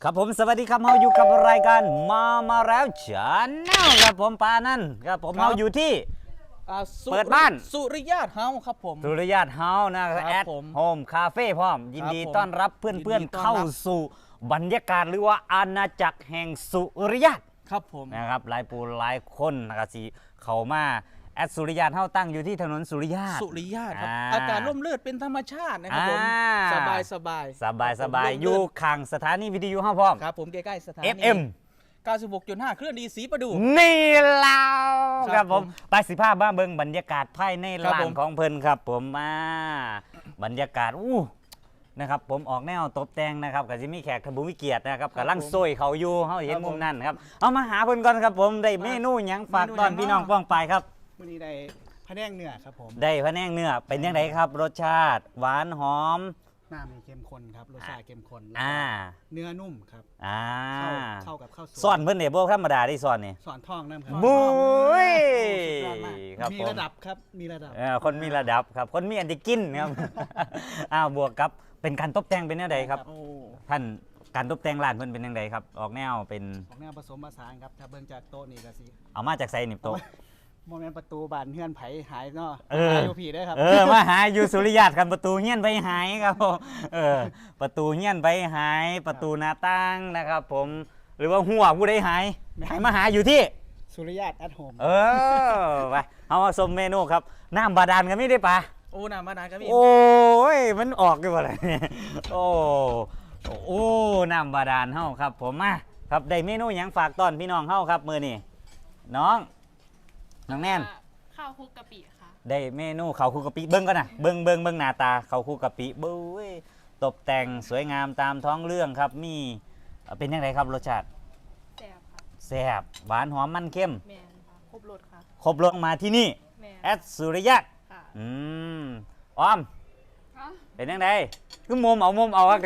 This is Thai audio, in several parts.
ครับผมสวัสดีครับเราอยู่กับรายการมาแล้วชาแนลครับผมปานั่นครับผมเราอยู่ที่เปิดบ้านสุริยาเฮาครับผมสุริยาเฮานะครับแอดโฮมคาเฟ่พร้อมยินดีต้อนรับเพื่อนๆเข้าสู่บรรยากาศหรือว่าอาณาจักรแห่งสุริยาครับผมนะครับหลายปูหลายคนนะครับสิเข้ามาแอดสุริยาเฮาตั้งอยู่ที่ถนนสุริยาครับอากาศร่มรื่นเป็นธรรมชาตินะครับผมสบายอยู่ข้างสถานีวิทยุเฮาพร้อมครับผมใกล้ๆสถานี FM 96.5 เคลื่อนดีสีประดูนี่แล้วครับผมไปสิภาพบ้าเบิงบรรยากาศภายในร้านของเพิ่นครับผมบรรยากาศนะครับผมออกแนวตบแต่งนะครับก็จะมีแขกทบุวิเกียรตินะครับกำลังซวยเขาอยู่เขาเห็นมุมนั้นครับเอามาหาเพิ่นก่อนครับผมได้เมนูหยังฝากตอนพี่น้องป้องไปครับวันนี้ได้พะแนงเนื้อครับผมได้พะแนงเนื้อเป็นยังไงครับรสชาติหวานหอมน้ำมีเข้มข้นครับรสชาติเข้มข้นเนื้อนุ่มครับเข้ากับข้าวสวยซ่อนเพิ่นเนี่ยบ่ธรรมดาที่ซ่อนนี่สอนท่องนั่นครับบุ้ยครับมีระดับครับมีระดับคนมีระดับครับคนมีอันที่กินครับบวกกับเป็นการตกแต่งเป็นยังไงครับท่านการตกแต่งร้านเพิ่นเป็นยังไงครับออกแนวเป็นออกแนวผสมผสานครับถ้าเบิ่งจากโต๊ะนี่ก็สิเอามาจากไซนิบโต๊ะโมเมนต์ประตูบานเฮือนไผหายเนาะหายอยู่ผีได้ครับมาหายอยู่สุริยากันประตูเฮียนไปหายครับประตูเฮียนไปหายประตูหน้าต่างนะครับผมหรือว่าหัวผู้ใดหายมาหาอยู่ที่สุริยาแอทโฮมไปเอามาชมเมนูครับน้ำบาดาลกันไม่ได้ปะน้ำบาดาลก็มีโอ้ยมันออกอยู่อะไรเนี่ยโอ้น้ำบาดาลเฮาครับผมมาครับได้เมนูหยังฝากต้อนพี่น้องเฮาครับมื้อนี้น้องแน่นข้าวคลุกกะปิค่ะได้เมนูข้าวคลุกกะปิเบิ้งก่อนนะเบิ้งหน้าตาข้าวคลุกกะปิเบ้ยตกแต่งสวยงามตามท้องเรื่องครับมีเป็นยังไงครับรสชาติแซ่บค่ะแซ่บหวานหอมมันเข้มแม่นค่ะครบรสค่ะครบรสมาที่นี่แอดสุริยะอ้อมเป็นยังไงคือมุมเอาครับแก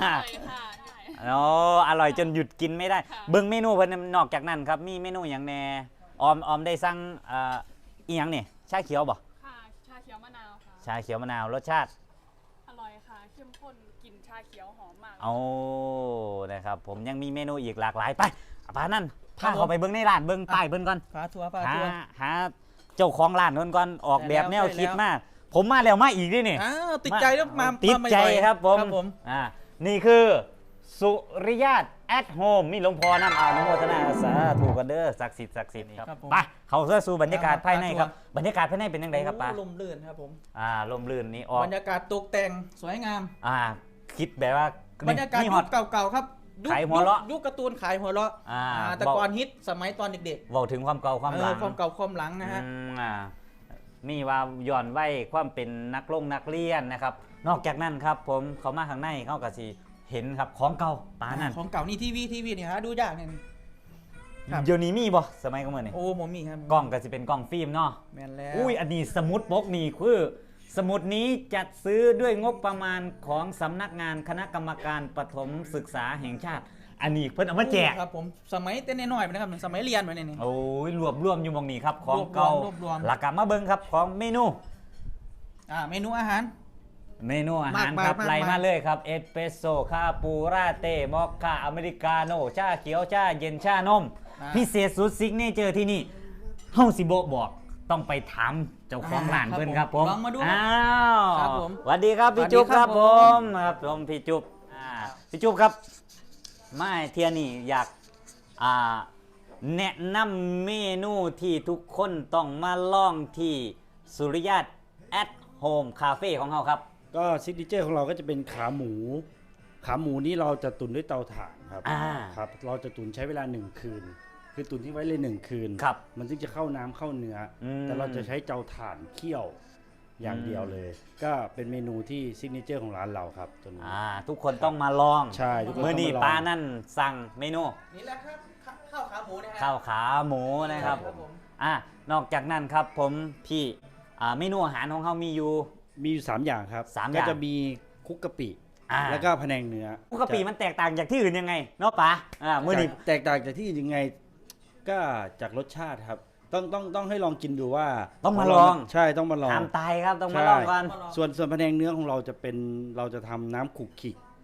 อร่อยจนหยุดกินไม่ได้เบิ้งเมนูเพิ่นนอกจากนั้นครับมีเมนูอย่างแน่ออมได้สั่งอีหยังนี่ชาเขียวบ่ค่ะชาเขียวมะนาวค่ะชาเขียวมะนาวรสชาติอร่อยค่ะเข้มข้นกลิ่นชาเขียวหอมมากนะครับผมยังมีเมนูอีกหลากหลายไปป้านั่นพาเข้าไปเบิ้งในร้านเบิ้งป้ายเบิ้งก่อนพาทัวร์หาเจ้าของร้านก่อนออกแบบแนวคิดมากผมมาแล้วมาอีกด้วยนี่ติดใจแล้วมาติดใจครับผมนี่คือสุริยาแอทโฮมมีหลวงพ่อน้ำอนุโมทนาสาธุกันเด้อศักดิ์สิทธิ์ครับไปเขาสู่บรรยากาศภายในครับบรรยากาศภายในเป็นยังไงครับป้าลมลื่นครับผมลมลื่นนี่ออกบรรยากาศตกแต่งสวยงามคิดแบบว่าบรรยากาศยุคเก่าๆครับขายหัวเราะยุคการ์ตูนขายหัวเราะแต่ก่อนฮิตสมัยตอนเด็กๆบอกถึงความเก่าความหลังความเก่าความหลังนะฮะมีว่าย้อนไว้ความเป็นนักเรียนนะครับนอกจากนั้นครับผมเขามาข้างในเขาก็สิเห็นครับของเก่าป้านั่นของเก่านี่ทีวีนี่ฮะดูยากเนี่ยเดี๋ยวนี้มีบ่สมัยก่อนนี่ผมมีครับกล้องก็จะเป็นกล้องฟิล์มเนาะแม่นแล้วอันนี้สมุดปกนี่คือสมุดนี้จัดซื้อด้วยงบประมาณของสำนักงานคณะกรรมการประถมศึกษาแห่งชาติอันนี้เพิ่นเอามาแจกครับผมสมัยเต้นน้อยๆนะครับสมัยเรียนไปนี่รวบรวมอยู่มองนี้ครับของเก่าหลักกลับมาเบิ่งครับของเมนูเมนูอาหารครับไล่มาเลยครับเอสเปรสโซ่คาปูราเต้มอคค่าอเมริกาโน่ชาเขียวชาเย็นชานมพิเศษสุดซิกเนเจอร์ที่นี่เฮาสิบอกต้องไปถามเจ้าของร้านเพิ่นครับผมลองมาดูครับผมสวัสดีครับพี่จุ๊บครับผมพี่จุ๊บครับไม่เทียนี่อยากแนะนำเมนูที่ทุกคนต้องมาลองที่สุริยาแอทโฮมคาเฟ่ของเราครับก็ซิกเนเจอร์ของเราก็จะเป็นขาหมูนี้เราจะตุ๋นด้วยเตาถ่านครับเราจะตุ๋นใช้เวลา1คืนคือตุ๋นที่ไว้เลย1คืนมันจึงจะเข้าน้ำเข้าเนื้อแต่เราจะใช้เตาถ่านเคี่ยวอย่างเดียวเลยก็เป็นเมนูที่ซิกเนเจอร์ของร้านเราครับตัวนี้ทุกคนต้องมาลองใช่ทุกคนต้องมาลองเมื่อนี้ป้านั่นสั่งเมนูนี่แหละครับข้าวขาหมูนะข้าวขาหมูนะครับนอกจากนั้นครับผมพี่เมนูอาหารของเขามีอยู่ 3อย่างครับก็จะมีคุกกะปิแล้วก็พะแนงเนื้อคุกกะปิมันแตกต่างจากที่อื่นยังไงเนาะป้าเมื่อนี้แตกต่างจากที่อื่นยังไงก็จากรสชาติครับต้องให้ลองกินดูว่าต้องมาลองใช่ต้องมาลองห้ามตายครับต้องมาลองกันส่วนพะแนงเนื้อของเราจะทำน้ำขลุกขิก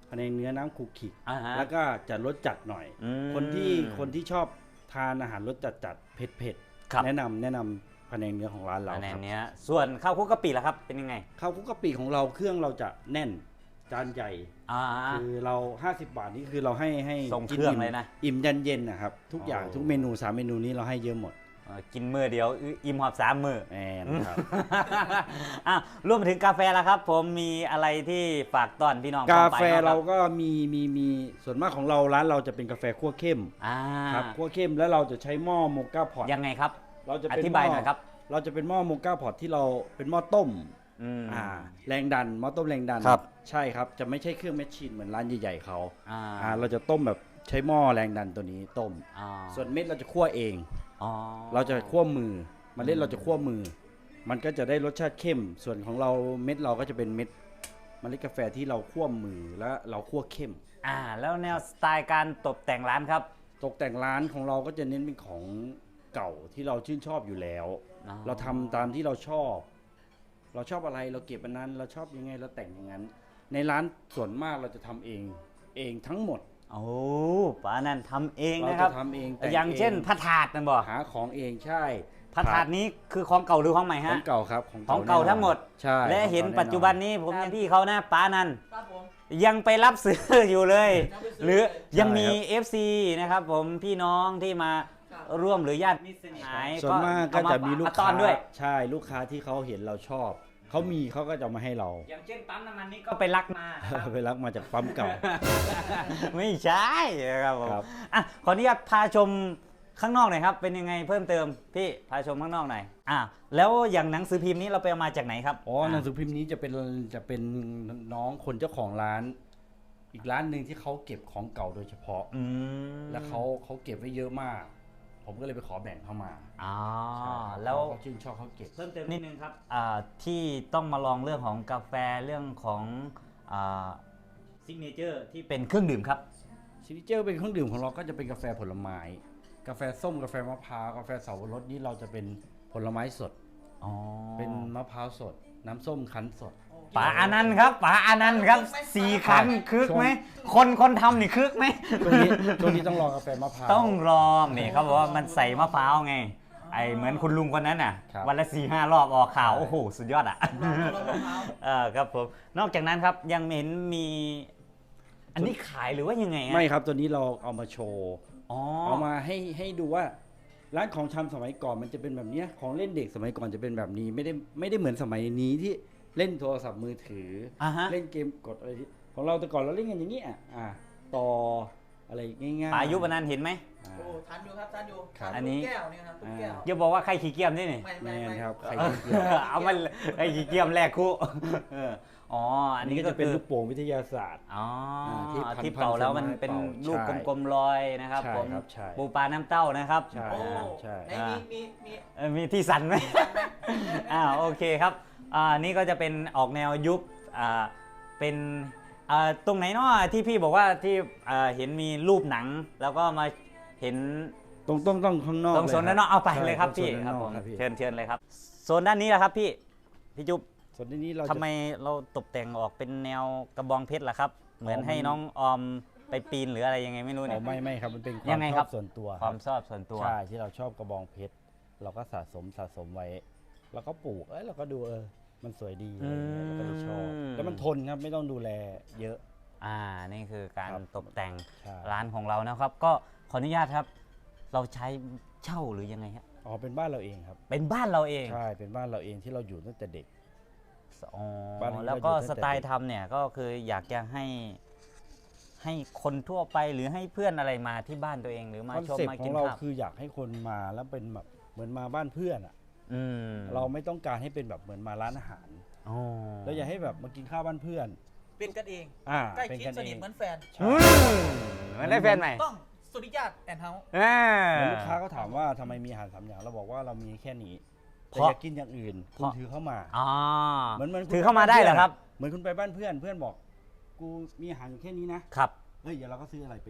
พะแนงเนื้อน้ำขูกขิกอ่าฮะแล้วก็จะรสจัดหน่อยอืมคนที่ชอบทานอาหารรสจัดเผ็ดครับๆแนะนำพะแนงเนื้อของร้านเราอันครับเนี้ยส่วนข้าวคลุกกะปิล่ะครับเป็นยังไงข้าวคลุกกะปิของเราเครื่องเราจะแน่นจานใหญ่อ่าคือเรา50 บาทนี่คือเราให้ส่งกินเครื่องเลยนะอิ่มยันเย็นนะครับทุกอย่างโอ้ทุกเมนู3เมนูนี้เราให้เยอะหมดกินมื้อเดียวอิ่มหอบ3 มื้อแอนครับอ่ะรวมไปถึงกาแฟละครับ ผมมีอะไรที่ฝากต้อนพี่น้องกาปองไปแฟบ้งคบเราก็มีส่วนมากของเราร้านเราจะเป็นกาแฟคั่วเข้มอ่าครับคั่วเข้มแล้วเราจะใช้หม้อโมก้าพอตยังไงครับเราจะอเป็นธิบายหน่อยครับเราจะเป็นหม้อโมก้าพอตที่เราเป็นหม้อต้มอืมแรงดันหม้อต้มแรงดันครับใช่ครับจะไม่ใช่เครื่องแมชชีนเหมือนร้านใหญ่ๆเขาอ่าเราจะต้มแบบใช้หม้อแรงดันตัวนี้ต้มอ่าส่วนเม็ดเราจะคั่วเองอ๋อเราจะคั่วมือเมล็ดเราจะคั่วมือ มันก็จะได้รสชาติเข้ม ส่วนของเราเม็ดเราก็จะเป็นเม็ดเมล็ดกาแฟที่เราคั่วมือและเราคั่วเข้มแล้วแนวสไตล์การตกแต่งร้านครับตกแต่งร้านของเราก็จะเน้นเป็นของเก่าที่เราชื่นชอบอยู่แล้วอ๋อเราทำตามที่เราชอบ เราชอบอะไรเราเก็บอันนั้น เราชอบยังไงเราแต่งอย่างนั้น ในร้านส่วนมากเราจะทำเองทั้งหมดโอ้ป้านั่นทำเองเรานะครัจะบทำเองแต่งอย่างเช่นองพระถาดนั่นบ่หาของเองใช่พระถาดนี้คือของเก่าหรือของใหม่ขอฮะงเก่าครับของเก่าแน่นอนทั้งหมดใช่และเห็นของก่าปัจจุบันนี้ผมครับยังพี่เขานะป้านันครับผมยังไปรับซื้ออยู่เลยยังไปซื้อหรือเลยยังมีใช่ครับ FC นะครับผมพี่น้องที่มาครับร่วมหรือญาติมิตรสหายส่วนมากก็จะมีลูกต้อค้านด้วยใช่ลูกค้าที่เขาเห็นเราชอบเขามีเขาก็จะเอามาให้เราอย่างเช่นปั๊มน้ำมันนี้ก็ไปรักมานะครับไปรักมาจากปั๊มเก่าไม่ใช่ครับผมครับอ่ะขออนุญาตพาชมข้างนอกหน่อยครับ เป็นยังไงเพิ่มเติมพี่พาชมข้างนอกหน่อยแล้วอย่างหนังสือพิมพ์นี้เราไปเอามาจากไหนครับอ๋อหนังสือพิมพ์นี้จะเป็นน้องคนเจ้าของร้าน อีกร้านหนึ่งที่เขาเก็บของเก่าโดยเฉพาะอืมแล้วเขาเก็บไว้เยอะมาก ผมก็เลยไปขอแบ่งเข้ามาอ๋อใช่ครับแล้วเขาชื่นชอบเขาเก็บเพิ่มเติมนิดนึงครับที่ต้องมาลองเรื่องของกาแฟเรื่องของซิกเนเจอร์ที่เป็นเครื่องดื่มครับซิกเจอร์เป็นเครื่องดื่มของเราก็จะเป็นกาแฟผลไม้ กาแฟส้มกาแฟมะพร้าวกาแฟเสาวรสนี่เราจะเป็นผลไม้สดอ๋อเป็นมะพร้าวสด น้ำส้มคั้นสดป๋าอานันต์ครับป๋าอานันต์ครับ4 ครั้งคึกไหมคนทำนี่คึกไหมช่วงนี้ต้องลองกาแฟมะพร้าวต้องลองนี่เขาบอกว่ามันใส่มะพร้าวไงไอเหมือนคุณลุงคนนั้นน่ะครับวันละ4-5 รอบออกข่าวโอ้โหสุดยอดอ่ะลองมะพร้าวครับผมนอกจากนั้นครับยังเห็นมี อันนี้ขายหรือว่ายังไงฮะไม่ครับตัวนี้เราเอามาโชว์อ๋อเอามาให้ดูว่าร้านของชำสมัยก่อนมันจะเป็นแบบเนี้ยของเล่นเด็กสมัยก่อนจะเป็นแบบนี้ไม่ได้เหมือนสมัยนี้ที่เล่นโทรศัพท์มือถือฮะเล่นเกมกดอะไรที่ของเราแต่ก่อนเราเล่นกันอย่างนี้ต่ออะไรง่ายๆป๋ายุปนันต์เห็นไหมอ่าโอ้ทันอยู่ครับทันอยู่ครับอันนี้ตุ๊กแก้วนี่ครับตุ๊กแก้วอย่าบอกว่าใครขี้เกียจนี่นี่ไม่แมไม่นไม่ครับใครเออขี้เกียจเอามันไอ้ขี้เกียจแรกคู่เอออ๋ออัอันนนี้นี้ก็ก็จะเป็นคือลูกโป่งวิทยาศาสตร์อ๋อที่พันที่เป่าแล้วมันเป็นเป่าลูกใช่กลมๆลอยนะครับใช่ผมครับใช่ปูปลาน้ำเต้านะครับใช่โอ้ใช่ไหนมีมีที่สั่นไหม โอเคครับนี่ก็จะเป็นออกแนวยุคเป็นตรงไหนเนาะที่พี่บอกว่าที่เห็นมีรูปหนัง แล้วก็มาเห็นต้องข้างนอกตรงโซนลด้านนอกเอาไปใช่เลยครับตงพี่โซนคด้ารับนนผอกมครับพี่เชิญเลยครับโซนด้านนี้แหละครับพี่จุ๊บส่วนนี้เราจะทำไมเราตกแต่งออกเป็นแนวกระบองเพชรล่ะครับ เหมือนให้น้องออมไปปีนหรืออะไรยังไงไม่รู้อ๋เนี่อยไม่ครับมันเป็นคยัวามงไงชครัอบ บส่วนตัวความชอบส่วนตัวใช่ที่เราชอบกระบองเพชรเราก็สะสมไว้เราก็ปลูกเราก็ดูมันสวยดีอะไรเงี้ยเราก็เลยชอบแล้วมันทนครับไม่ต้องดูแลเยอะนี่คือการครับตกแต่งใช่ร้านของเรานะครับ ก็ขออนุญาตครับ เราใช้เช่าหรือยังไงฮะอ๋อเป็นบ้านเราเองครับเป็นบ้านเราเองใช่เป็นบ้านเราเองที่เราอยู่ตั้งแต่เด็กอ๋อบ้านนี้แล้วก็เราอยู่ตั้สงแต่ไตล์ทำเนี่ยก็คืออยากจะให้คนทั่วไปหรือให้เพื่อนอะไรมาที่บ้านตัวเองหรือมาคอนชมเซ็ปมาต์ขอกินงเราข้าวคืออยากให้คนมาแล้วเป็นแบบเหมือนมาบ้านเพื่อนอ่ะอืมเราไม่ต้องการให้เป็นแบบเหมือนมาร้านอาหารอ๋อเราอยากให้แบบมากินข้าวบ้านเพื่อนเป็นกันเอง ใกล้เป็นชิดกันสเอนิทงเหมือนแฟนใช่เหมือนได้แฟนใหม่ต้องสุริยาตแอนเฮาส์เหมือนลูกค้าก็ถามว่าทำไมมีอาหาร3อย่างเราบอกว่าเรามีแค่นี้แต่เพราะอยากกินอย่างอื่นคุณถือเข้ามาอ๋อเหมือนคุณถือเข้ามาได้เหรอครับเหมือนคุณไปบ้านเพื่อนเพื่อนบอก กูมีอาหารอยู่แค่นี้นะครับ เฮ้ยเดี๋ยวเราก็ซื้ออะไรไปอีก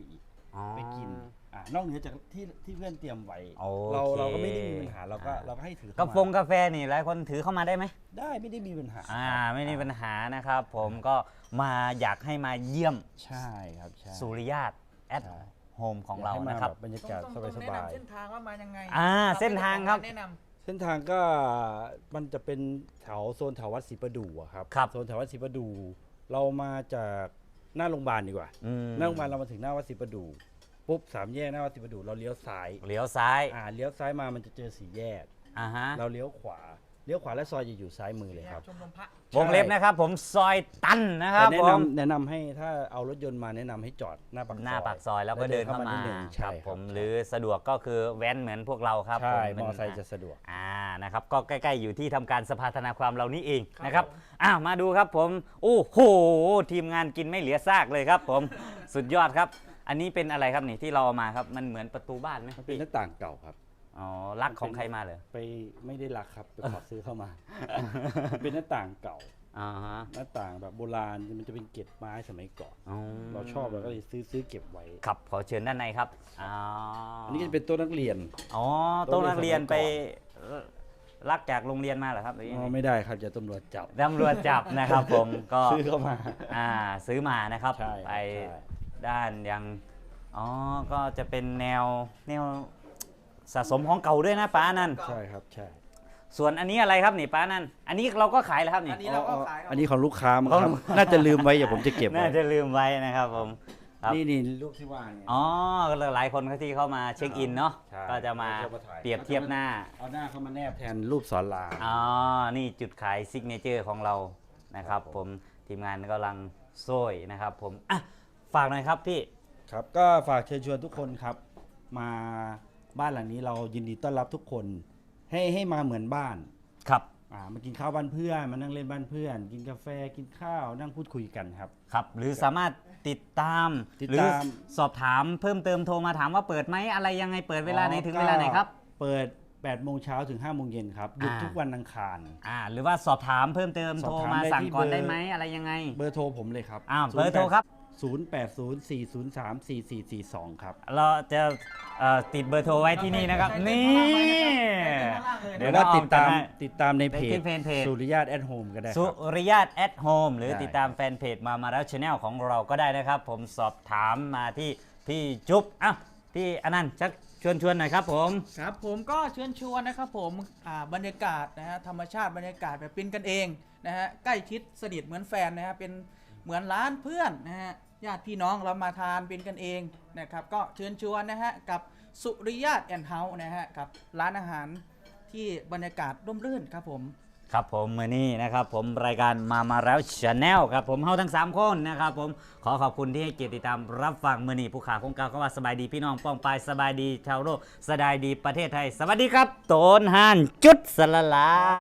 ไปกินนอกเหนือจากที่เพื่อนเตรียมไว้โอเคเราก็ไม่ได้มีปัญหาเราก็ให้ถือกาแฟกาแฟนี่หลายคนถือเข้ามาได้ไหมได้ไม่ได้มีปัญหาไม่มีปัญหานะครับ ผมก็มาอยากให้มาเยี่ยมใช่ครับใช่สุริยาตแอดใช่โฮมของเรานะครับบรรยากาศต้องสแนะบายนำเส้นทางว่ามายังไงเส้นทางครับแนะนำๆเส้นทางก็มันจะเป็นโซนแถววัดศรีประดู่อะครับครับโซนแถววัดศรีประดู่เรามาจากหน้าโรงพยาบาลดีกว่า หน้าโรงพยาบาลเรามาถึงหน้าวัดศรีประดู่ปุ๊บ3 แยกหน้าวัดศรีประดู่เราเลี้ยวซ้ายเลี้ยวซ้ายเลี้ยวซ้ายมามันจะเจอ4 แยกฮะเราเลี้ยวขวาและซอยจะอยู่ซ้ายมือเลยครับชมรมพระวงเล็บนะครับ ผมซอยตันนะครับแต่ผมแนะนำให้ถ้าเอารถยนต์มาแนะนำให้จอดหน้าปากซอยหน้าปากซอยแล้วก็เดินเข้ามานิดนึงคใช่รับครับผมหรือสะดวกก็คือแว้นเหมือนพวกเราครับใช่ผมอไซค์จะสะดวกนะครับก็ใกล้ๆอยู่ที่ทำการสภาธนาความเรานี่เองนะครับมาดูครับผมโอ้โหทีมงานกินไม่เหลือซากเลยครับผม สุดยอดครับ อันนี้เป็นอะไรครับนี่ที่เราเอามาครับมันเหมือนประตูบ้านไหมมันเป็นหน้าต่างเก่าครับอ๋อรักของใครมาเลยไปไม่ได้รักครับไปขอซื้อเข้ามา เป็นหน้าต่างเก่าฮะหน้าต่างแบบโบราณมันจะเป็นเกล็ดไม้สมัยก่อนอ๋อเราชอบเราก็เลยซื้อเก็บไว้ครับขอเชิญด้านในครับอันนี้ก็จะเป็นโต๊ะนักเรียนอ๋อโต๊ะนักเรียนไปรักจากโรงเรียนมาเหรอครับหรือยังไงไม่ได้ครับจะตำรวจจับตำรวจจับนะครับผมก็ซื้อเข้ามาซื้อมานะครับใช่ไปใช่ด้านยังก็จะเป็นแนวสะสมของเก่าด้วยนะป้านั่นใช่ครับใช่ส่วนอันนี้อะไรครับนี่ป้านั่นอันนี้เราก็ขายแล้วครับนี่อันนี้เราก็ขายครับอันนี้ของลูกค้ามั้งครับน่าจะลืมไว้อย่าผมจะเก็บไว้น่าจะลืมไว้นะครับผมครับนี่ลูกที่ว่าเนี่ยหลายคนที่เข้ามาเช็คอินเนาะใช่ก็จะมาเขาจะมาถ่ายเปรียบเทียบหน้าเอาหน้าเข้ามาแนบแทนรูปสอนรามนี่จุดขายซิกเนเจอร์ของเรานะครับครับผผม มทีมงานกำลังโซ่ยนะครับผมฝากหน่อยครับพี่ครับก็ฝากเชิญชวนทุกคนครับ มาบ้านหลังนี้เรายินดีต้อนรับทุกคนให้มาเหมือนบ้านครับมากินข้าวบ้านเพื่อนมานั่งเล่นบ้านเพื่อน กินกาแฟกินข้าวนั่งพูดคุยกันครับครับหรือสามารถติดตามติดหรือตามสอบถามเพิ่มเติมโทรมาถามว่าเปิดไหมอะไรยังไงเปิดเวลาไหนถึงเวลาไหนครับเปิด8 โมงเช้าถึง5 โมงเย็นครับหยุดทุกวันอังคารหรือว่าสอบถามเพิ่มเติมสอบโทรถามมาได้สั่งที่ก่อนเบอร์ได้ไหมอะไรยังไงเบอร์โทรผมเลยครับเบอร์โทรครับ 0804034442 ครับเราจะติดเบอร์โทรไว้ที่นี่นะครับ นี่เดี๋ยวว่าติดตามให้ในเพที่เพจสุริยาตแอดโฮมก็ได้คสุรับริยาตแอดโฮมหรือได้ติดตามแฟนเพจมาแล้วชาแนลของเราก็ได้นะครับ ผมสอบถามมาที่พี่จุ๊บพี่อนันต์ชักชวนหน่อยครับผมครับผมก็เชิญชวนนะครับผมบรรยากาศนะฮะธรรมชาติบรรยากาศแบบเป็นกันเองนะฮะใกล้ชิดสนิทเหมือนแฟนนะฮะเป็นเหมือนร้านเพื่อนนะฮะญาติพี่น้องเรามาทานเป็นกันเองนะครับก็เชิญชวนนะฮะกับสุริยาตแอนด์เฮาส์นะฮะกับร้านอาหารที่บรรยากาศร่มรื่นครับผมครับผมมือนี้นะครับผมรายการมาแล้วชาแนลครับผมเฮาทั้ง3คนนะครับผมขอขอบคุณที่ให้เกียรติติดตามรับฟังมือนี้ผู้ขาคงกล่าวก็ว่าสบายดีพี่น้องป้องปายสบายดีชาวโลกสบายดีประเทศไทยสวัสดีครับโตนห่านจุดสละลา